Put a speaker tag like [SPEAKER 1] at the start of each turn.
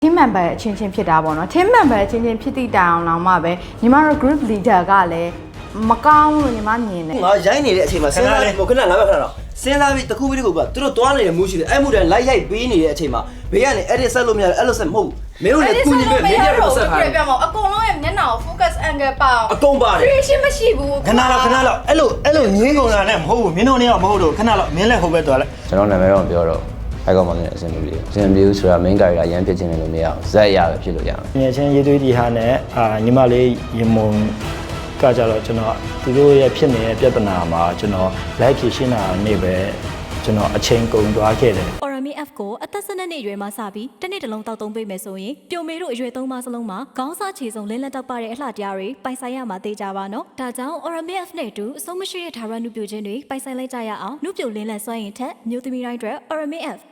[SPEAKER 1] team member အချင်းချင်းဖြစ်တာပေါ့နော် team member အချင်းချင်းဖြစ်သည့်တိုင်အောင်လောက်မှပဲညီမတို့ group leader ကလည်းမကောင်းလို့ညီမမြင်တယ်
[SPEAKER 2] ငါရိုင်းနေတဲ့အချိန်မှာစဉ်းစားပြီးခဏငါပဲခဏတော့စဉ်းစားပြီးတစ်ခုပြီးတစ်ခုကသူတို့တွားနေတဲ့မှုရှိတယ်အဲ့မှုတိုင်းလိုက်ရိုက်ပေးနေတဲ့အချိန်မှာဘေးကနေအဲ့ဒီဆက်လို့မရအဲ့လိုဆက်မဟုတ်ဘူးမင်းတို့လည်းကုညီပဲမင်းတို့လည်းဆက်ထားတယ်
[SPEAKER 3] ပြမအကုန်လုံးရဲ့မျက်နှာကို focus angle ပါအောင်
[SPEAKER 2] အကုန်ပါတယ်
[SPEAKER 3] creation မရှိဘူး
[SPEAKER 4] ခဏလောက်အဲ့လိုငင်းကုန်တာနဲ့မဟုတ်ဘူးမင်းတို့နေတော့မဟုတ်လို့ခဏလောက်မင်းလည်းဟိုဘက်သွားလိုက်
[SPEAKER 5] ကျွန်တော်နာမည်တော့ပြောတော့အဲ့ကောင်မလေးအဆင်မပြေဘူးဆိုတာ main character ရမ်းဖြစ်ခြင်းလည်းလို့မရအောင်ဇက်ရပဲဖြစ်လို့ရအောင်
[SPEAKER 4] ငယ်ချင်းရေးသွေးဒီဟာနဲ့ညီမလေးရေမုံကကြတော့ကျွန်တော်သူတို့ရဲ့ဖြစ်နေတဲ့ပြဿနာမှာကျွန်တော်လိုက်ဖြေရှင်းတာနေပဲကျွန်တော်အချိန်ကုန်သွားခဲ့တယ်
[SPEAKER 6] Orami F ကိုအသက်12နှစ်အရွယ်မှာစပြီးတစ်နှစ်တလုံးတောက်သုံးပေးမယ်ဆိုရင်ပြိုမေတို့အရွယ်3ပါးစလုံးမှာခေါင်းစားခြေစုံလင်းလက်တောက်ပတဲ့အလှတရားတွေပိုင်ဆိုင်ရမှာသိကြပါနော်ဒါကြောင့် Orami F နဲ့အတူအဆုံးမရှိတဲ့ဓာရနုပြိုခြင်းတွေပိုင်ဆိုင်လိုက်ကြရအောင်နုပြိုလင်းလက်စွမ်းရည်ထက်မျိုးသမီးတိုင်းအတွက် Orami F